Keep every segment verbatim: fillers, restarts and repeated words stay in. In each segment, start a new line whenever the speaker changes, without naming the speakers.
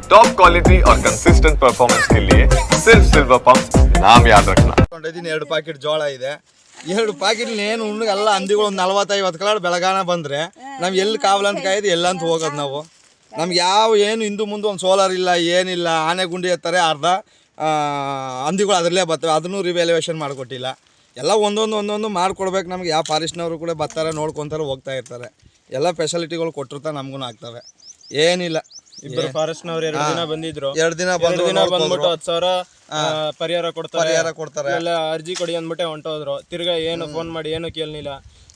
Top quality और consistent performance के लिए सिर्फ सिल्वर पंप नाम याद रखना।
ಎರಡು ಪ್ಯಾಕೆಟ್ ಜೋಳ ಇದೆ, ಎರಡು ಪ್ಯಾಕೆಟ್ ಏನು ಉಣ್ಣಗೆ ಎಲ್ಲ ಹಂದಿಗಳು ಒಂದು ನಲ್ವತ್ತೈವತ್ತು ಕಲಾಡ್ ಬೆಳಗಾನ ಬಂದರೆ ನಮ್ಗೆ ಎಲ್ಲಿ ಕಾವಲಂತ ಕಾಯ್ದು ಎಲ್ಲಂತ ಹೋಗೋದು ನಾವು. ನಮ್ಗೆ ಯಾವ ಏನು ಹಿಂದೆ ಮುಂದೆ ಒಂದು ಸೋಲಾರ್ ಇಲ್ಲ, ಏನಿಲ್ಲ. ಆನೆ ಗುಂಡಿ ಎತ್ತಾರೆ, ಅರ್ಧ ಹಂದಿಗಳು ಅದರಲ್ಲೇ ಬರ್ತವೆ, ಅದನ್ನು ರಿವ್ಯಾಲ್ಯೂಯೇಷನ್ ಮಾಡಿಕೊಟ್ಟಿಲ್ಲ. ಎಲ್ಲ ಒಂದೊಂದು ಒಂದೊಂದು ಮಾಡಿಕೊಡ್ಬೇಕು ನಮ್ಗೆ. ಯಾವ ಫಾರೆಸ್ಟ್ನವರು ಕೂಡ ಬರ್ತಾರೆ, ನೋಡ್ಕೊತಾರೆ, ಹೋಗ್ತಾ ಇರ್ತಾರೆ. ಎಲ್ಲ ಫೆಸಿಲಿಟಿಗಳು ಕೊಟ್ಟಿರ್ತಾರೆ, ನಮಗೂ ಆಗ್ತವೆ. ಏನಿಲ್ಲ.
ಇಬ್ಬರು ಫಾರೆಸ್ಟ್ನವ್ರು ಎರಡು ದಿನ ಬಂದಿದ್ರು,
ಎರಡು ದಿನ
ಎರಡು ದಿನ ಬಂದ್ಬಿಟ್ಟು ಹತ್ತು ಸಾವಿರ ಪರಿಹಾರ ಕೊಡ್ತಾರೆ
ಪರಿಹಾರ ಕೊಡ್ತಾರೆ
ಎಲ್ಲ ಅರ್ಜಿ ಕೊಡಿ ಅಂದ್ಬಿಟ್ಟೆ ಹೊಂಟೋದ್ರು. ತಿರ್ಗಾ ಏನು ಫೋನ್ ಮಾಡಿ ಏನು ಕೇಳಲಿಲ್ಲ.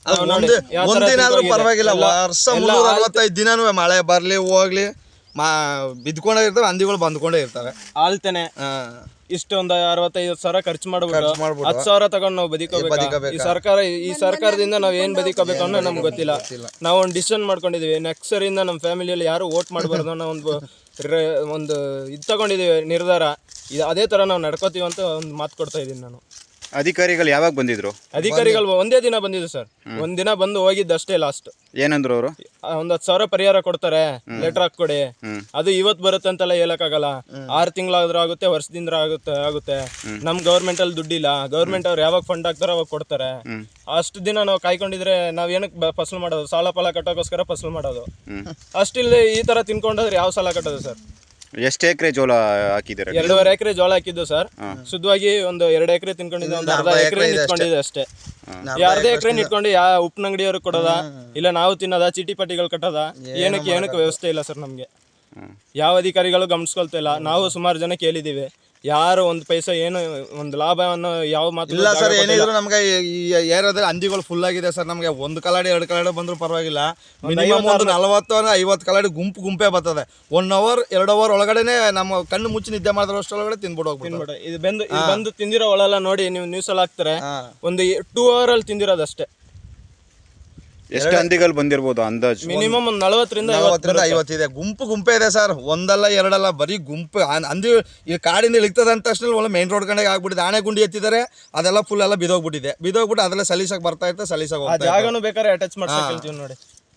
ಒಂದಿನ ಆದ್ರೂ ಪರವಾಗಿಲ್ಲ, ವರ್ಷ ಮುನ್ನೂರ ಅರವತ್ತೈದು ದಿನನೂ ಮಳೆ ಬರ್ಲಿ ಹೋಗ್ಲಿ ಮಾ ಬಿದ್ಕೊಂಡೇ ಇರ್ತವೆ, ಹಂದಿಗಳು ಬಂದ್ಕೊಂಡೇ ಇರ್ತವೆ.
ಆಲ್ತೇನೆ ಇಷ್ಟೊಂದು ಅರವತ್ತೈದು ಸಾವಿರ ಖರ್ಚು ಮಾಡ್ಬಿಟ್ಟು ಹತ್ತು ಸಾವಿರ ತಗೊಂಡು ನಾವು ಬದುಕೋಬೇಕು. ಈ ಸರ್ಕಾರ ಈ ಸರ್ಕಾರದಿಂದ ನಾವ್ ಏನ್ ಬದುಕೋಬೇಕು ಅನ್ನೋ ನಮ್ಗೆ ಗೊತ್ತಿಲ್ಲ. ನಾವು ಒಂದು ಡಿಸಿಷನ್ ಮಾಡ್ಕೊಂಡಿದೀವಿ, ನೆಕ್ಸ್ಟ್ ಸರಿಯಿಂದ ನಮ್ಮ ಫ್ಯಾಮಿಲಿಯಲ್ಲಿ ಯಾರು ವೋಟ್ ಮಾಡಬಾರ್ದು ಅನ್ನೋ ಒಂದು ಒಂದು ಇದು ತಗೊಂಡಿದೀವಿ ನಿರ್ಧಾರ. ಇದು ಅದೇ ತರ ನಾವು ನಡ್ಕೋತೀವಿ ಅಂತ ಒಂದು ಮಾತು ಕೊಡ್ತಾ ಇದ್ದೀನಿ ನಾನು.
ಅಧಿಕಾರಿಗಳು ಯಾವಾಗ ಬಂದಿದ್ರು?
ಅಧಿಕಾರಿಗಳು ಒಂದೇ ದಿನ ಬಂದಿದ್ರು ಸರ್, ಒಂದ್ ದಿನ ಬಂದು ಹೋಗಿದ್ದಷ್ಟೇ. ಲಾಸ್ಟ್
ಏನಂದ್ರು ಅವರು?
ಒಂದ್ ಹತ್ತು ಸಾವಿರ ಪರಿಹಾರ ಕೊಡ್ತಾರೆ, ಲೆಟರ್ ಹಾಕೊಡಿ. ಅದು ಇವತ್ ಬರುತ್ತೆ ಅಂತೆಲ್ಲ ಹೇಳಕ್ಕಾಗಲ್ಲ. ಆರು ತಿಂಗಳಾದ್ರೂ ಆಗುತ್ತೆ, ವರ್ಷದಿಂದ ಆಗುತ್ತೆ ಆಗುತ್ತೆ ನಮ್ ಗೌರ್ಮೆಂಟ್ ಅಲ್ಲಿ ದುಡ್ಡಿಲ್ಲ. ಗೌರ್ಮೆಂಟ್ ಅವ್ರು ಯಾವಾಗ ಫಂಡ್ ಹಾಕ್ತಾರೋ ಅವಾಗ ಕೊಡ್ತಾರೆ. ಅಷ್ಟು ದಿನ ನಾವು ಕಾಯ್ಕೊಂಡಿದ್ರೆ ನಾವ್ ಏನಕ್ಕೆ ಫಸಲು ಮಾಡೋದು? ಸಾಲ ಫಲ ಕಟ್ಟೋಕೋಸ್ಕರ ಫಸಲು ಮಾಡೋದು. ಅಷ್ಟಿಲ್ಲದೆ ಈ ತರ ತಿನ್ಕೊಂಡೋದ್ರೆ ಯಾವ ಸಾಲ ಕಟ್ಟೋದು ಸರ್?
ಎಷ್ಟು ಎಕರೆ ಜೋಳ ಹಾಕಿದ್ದಾರೆ?
ಎರಡೂವರೆ ಎಕರೆ ಜೋಳ ಹಾಕಿದ್ದು ಸರ್. ಶುದ್ಧವಾಗಿ ಒಂದು ಎರಡು ಎಕರೆ ತಿನ್ಕೊಂಡಿದ್ದೆ, ಒಂದು ಅರ್ಧ ಎಕರೆ ನಿಂತ್ಕೊಂಡಿದೆ ಅಷ್ಟೇ. ಅರ್ಧ ಎಕರೆ ನಿಂತ್ಕೊಂಡು ಯಾವ ಉಪ್ಪಿನಂಗಡಿಯವ್ರಿಗೆ ಕೊಡೋದ, ಇಲ್ಲ ನಾವು ತಿನ್ನೋದ, ಚೀಟಿ ಪಟ್ಟಿಗಳು ಕಟ್ಟೋದ, ಏನಕ್ಕೆ ಏನಕ್ಕೆ ವ್ಯವಸ್ಥೆ ಇಲ್ಲ ಸರ್ ನಮ್ಗೆ. ಯಾವ ಅಧಿಕಾರಿಗಳು ಗಮನಿಸ್ಕೊಳ್ತಾ ಇಲ್ಲ. ನಾವು ಸುಮಾರು ಜನ ಕೇಳಿದೀವಿ, ಯಾರು ಒಂದು ಪೈಸಾ ಏನು ಒಂದು ಲಾಭವನ್ನು ಯಾವ ಮಾತು
ಇಲ್ಲ ಸರ್. ಏನಿದ್ರು ನಮ್ಗೆ ಈ ಏರಿಯಾದಲ್ಲಿ ಹಂದಿಗಳು ಫುಲ್ ಆಗಿದೆ ಸರ್. ನಮ್ಗೆ ಒಂದು ಕಲಾಡಿ ಎರಡು ಕಲಾಡಿ ಬಂದ್ರು ಪರವಾಗಿಲ್ಲ, ಮಿನಿಮಮ್ ಒಂದು ನಲವತ್ತು ಐವತ್ತು ಕಲಾಡಿ ಗುಂಪು ಗುಂಪೇ ಬರ್ತದೆ. ಒನ್ ಅವರ್ ಎರಡು ಅವರ್ ಒಳಗಡೆನೆ ನಮ್ಮ ಕಣ್ಣು ಮುಚ್ಚಿ ನಿದ್ದೆ ಮಾಡಿದ್ರೆ ಅಷ್ಟೊಳಗಡೆ ತಿನ್ಬಿಟ್ಟು ಹೋಗ್ಬಿಟ್ಟು.
ಇದು ಬಂದು ಬಂದು ತಿಂದಿರೋ ಒಳಲ್ಲ ನೋಡಿ, ನೀವು ನ್ಯೂಸ್ ಅಲ್ಲಿ ಹಾಕ್ತಾರೆ, ಒಂದು ಟೂ ಅವರ್ ಅಲ್ಲಿ ತಿಂದಿರೋದಷ್ಟೇ.
ಎಷ್ಟು ಹಂದಿಗಳು ಬಂದಿರ್ಬೋದು ಅಂದಾಜು?
ಮಿನಿಮಮ್ ಒಂದು ನಲವತ್ತರಿಂದ
ಐವತ್ತು ಇದೆ. ಗುಂಪು ಗುಂಪೇ ಇದೆ ಸರ್, ಒಂದಲ್ಲ ಎರಡಲ್ಲ, ಬರೀ ಗುಂಪು. ಹಂದಿ ಈ ಕಾಡಿಂದ ಇಳಿತದ ಅಂತ ತಕ್ಷಣ ಒಳ್ಳೆ ಮೇನ್ ರೋಡ್ ಕಡೆಗೆ ಆಗ್ಬಿಟ್ಟಿದೆ. ಆನೆ ಗುಂಡಿ ಎತ್ತಿದ್ದಾರೆ, ಅದೆಲ್ಲ ಫುಲ್ ಎಲ್ಲ ಬಿದೋಗ್ಬಿಟ್ಟಿದೆ. ಬಿದೋಗ್ಬಿಟ್ಟು ಅದೆಲ್ಲ ಸಲೀಸಾಗಿ ಬರ್ತಾ ಇರ್ತದೆ, ಸಲೀಸಾಗಿ
ಆ ಜಾಗನೂ ಬೇಕಾದ್ರೆ ಅಟ್ಯಾಚ್ ಮಾಡ್ಸಕ್ ಹೇಳ್ತೀವಿ ನೋಡಿ.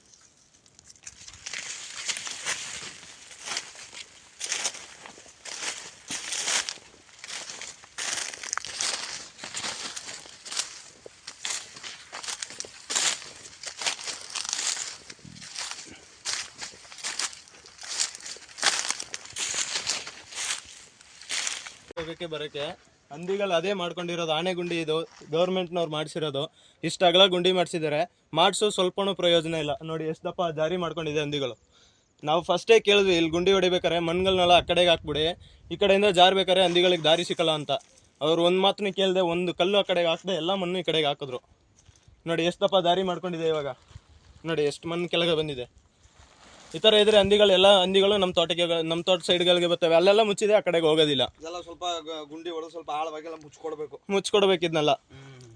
ಹೋಗಕ್ಕೆ ಬರೋಕ್ಕೆ ಹಂದಿಗಳು ಅದೇ ಮಾಡ್ಕೊಂಡಿರೋದು. ಆನೆ ಗುಂಡಿ ಇದು ಗೌರ್ಮೆಂಟ್ನವ್ರು ಮಾಡಿಸಿರೋದು. ಇಷ್ಟ ಅಗಲ ಗುಂಡಿ ಮಾಡಿಸಿದ್ದಾರೆ, ಮಾಡಿಸೋ ಸ್ವಲ್ಪನೂ ಪ್ರಯೋಜನ ಇಲ್ಲ. ನೋಡಿ ಎಷ್ಟು ದಪ್ಪ ಜಾರಿ ಮಾಡ್ಕೊಂಡಿದೆ ಹಂದಿಗಳು. ನಾವು ಫಸ್ಟೇ ಕೇಳಿದ್ವಿ, ಇಲ್ಲಿ ಗುಂಡಿ ಹೊಡಿಬೇಕಾರೆ ಮಣ್ಗಳನ್ನೆಲ್ಲ ಆ ಕಡೆಗೆ ಹಾಕ್ಬಿಡಿ, ಈ ಕಡೆಯಿಂದ ಜಾರ್ಬೇಕಾರೆ ಹಂದಿಗಳಿಗೆ ದಾರಿ ಸಿಕ್ಕಲ್ಲ ಅಂತ. ಅವ್ರು ಒಂದು ಮಾತನ್ನ ಕೇಳಿದೆ, ಒಂದು ಕಲ್ಲು ಆ ಕಡೆಗೆ ಹಾಕದೆ ಎಲ್ಲ ಮಣ್ಣು ಈ ಕಡೆಗೆ ಹಾಕಿದ್ರು. ನೋಡಿ ಎಷ್ಟು ದಪ್ಪ ದಾರಿ ಮಾಡ್ಕೊಂಡಿದೆ. ಇವಾಗ ನೋಡಿ ಎಷ್ಟು ಮಣ್ಣು ಕೆಳಗೆ ಬಂದಿದೆ. ಈ ಥರ ಇದ್ರೆ ಹಂದಿಗಳೆಲ್ಲ ಹಂದಿಗಳು ನಮ್ಮ ತೋಟಕ್ಕೆ ನಮ್ಮ ತೋಟ ಸೈಡ್ಗಳಿಗೆ ಬರ್ತವೆ. ಅಲ್ಲೆಲ್ಲ ಮುಚ್ಚಿದೆ, ಆ ಕಡೆಗೆ ಹೋಗೋದಿಲ್ಲ.
ಸ್ವಲ್ಪ ಗುಂಡಿ ಹೊಡೆದು ಸ್ವಲ್ಪ ಆಳವಾಗಿ ಮುಚ್ಕೊಡ್ಬೇಕು
ಮುಚ್ಕೊಡ್ಬೇಕಿದ್ನಲ್ಲ.